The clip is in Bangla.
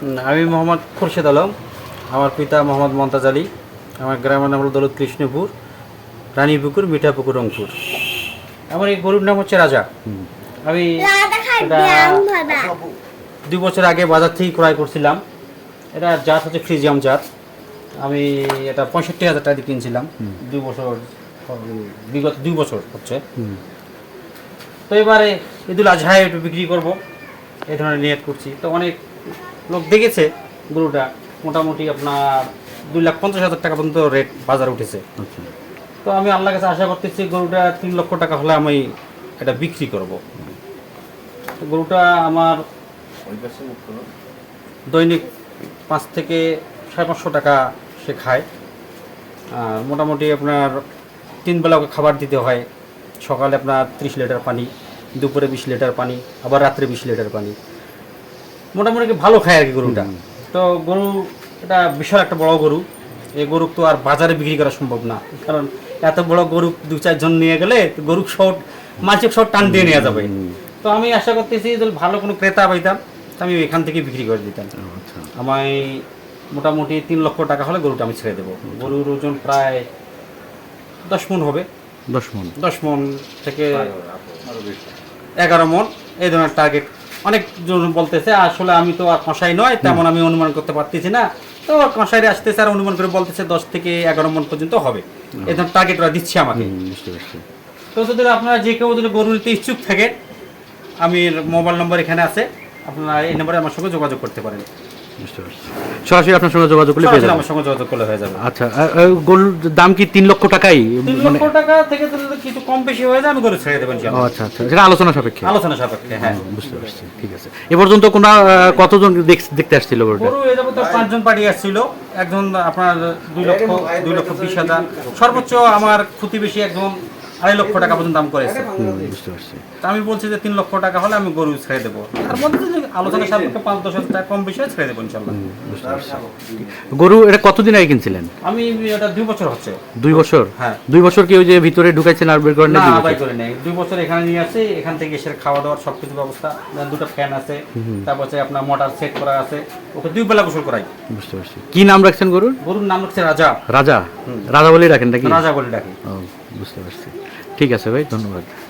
আমি মোহাম্মদ খুরশেদ আলম, আমার পিতা মোহাম্মদ মমতাজ আলী, আমার গ্রামের নাম হল দৌলত কৃষ্ণপুর, রানীপুকুর, মিঠাপুকুর, রংপুর। আমার এই গরুর নাম হচ্ছে রাজা। আমি এটা 2 বছর আগে বাজার থেকে ক্রয় করছিলাম। এটা জাত হচ্ছে ফ্রিজিয়াম জাত। আমি এটা 65,000 টাকা দিয়ে কিনছিলাম। 2 বছর, বিগত 2 বছর হচ্ছে। তো এবারে ঈদুল আজহায় একটু বিক্রি করব এই ধরনের নিয়ত করছি। তো অনেক লোক দেখেছে গরুটা, মোটামুটি আপনার 2,50,000 টাকা পর্যন্ত রেট বাজার উঠেছে। তো আমি আল্লাহর কাছে আশা করতেছি গরুটা 3 লক্ষ টাকা হলে আমি এটা বিক্রি করব। গরুটা আমার দৈনিক 5 থেকে 550 টাকা সে খায়। আর মোটামুটি আপনার 3 বেলা ওকে খাবার দিতে হয়। সকালে আপনার 30 লিটার পানি, দুপুরে 20 লিটার পানি, আবার রাত্রে 20 লিটার পানি। মোটামুটি ভালো খায় আর কি গরুটা। তো গরু এটা বিশাল একটা বড় গরু। এই গরু তো আর বাজারে বিক্রি করা সম্ভব না, কারণ এত বড় গরু 2-4 জন নিয়ে গেলে গরু শর্ট, মাঝে শর্ট টান দিয়ে নেওয়া যাবে। তো আমি আশা করতেছি যদি ভালো কোনো ক্রেতা পাইতাম আমি এখান থেকে বিক্রি করে দিতাম। আমায় মোটামুটি 3 লক্ষ টাকা হলে গরুটা আমি ছেড়ে দেবো। গরুর ওজন প্রায় 10 মণ হবে। 10 মণ থেকে 11 মণ এই ধরনের টার্গেট অনেকজন বলতেছে। আসলে আমি তো আর কষাই নয়, তেমন আমি অনুমান করতে পারতেছি না। তো কষাইরে আসতেছে আর অনুমান করে বলতেছে 10 থেকে 11 মণ পর্যন্ত হবে। এই ধরনের টার্গেট ওরা দিচ্ছে আমাকে। তো যদি আপনারা যে কেউ যদি গরু নিতে ইচ্ছুক থাকে, আমি মোবাইল নম্বর এখানে আছে, আপনারা এই নম্বরে আমার সঙ্গে যোগাযোগ করতে পারেন। সরাসরি আপনার সঙ্গে যোগাযোগ করলে পেয়ে যাবেন। আমার সঙ্গে যোগাযোগ করলে হয়ে যাবে। আচ্ছা, গরুর দাম কি 3 লক্ষ টাকাই? 3 লক্ষ টাকা থেকে যদি কিছু কম বেশি হয়ে যায় আমি গরু ছেড়ে দেবেন। আচ্ছা আচ্ছা, সেটা আলোচনা সাপেক্ষে। হ্যাঁ, বুঝতে পারছি। ঠিক আছে। এ পর্যন্ত কতজন দেখতে আসছিল গরুটা? গরু এই যাবত 5 জন পার্টি আসছিল। একজন আপনার 2,20,000, সর্বোচ্চ আমার প্রতিবেশী একজন 2.5 লক্ষ টাকা পর্যন্ত দাম করেছে। বুঝতে পারছি। আমি বলছি যে 3 লক্ষ টাকা হলে আমি গরু ছেড়ে দেবো। তার মধ্যে যদি আলোচনা সাপেক্ষে 5-10,000 টাকা কম বেশি ছেড়ে দেবো ইনশাল্লাহ। গরু এটা কতদিন আগে কিনছিলেন? আমি এটা 2 বছর হচ্ছে। 2 বছর? হ্যাঁ। 2 বছর কি ওই যে ভিতরে ঢুকাইছেন আর বের করেন না? না, বাই করে নেই। 2 বছর এখানে নিয়ে আসি, এখান থেকে এসে খাওয়া দাওয়ার সবকিছু ব্যবস্থা, 2টা ফ্যান আছে, তারপর আপনার মোটর সেট করা আছে, ওকে 2 বেলা গোসল করাই। বুঝতে পারছি। কি নাম রাখছেন গরুর? গরুর নাম হচ্ছে রাজা। রাজা? রাজা বলেই রাখেন নাকি? রাজা বলে ডাকি। ও, বুঝতে পারছি। ঠিক আছে ভাই, ধন্যবাদ।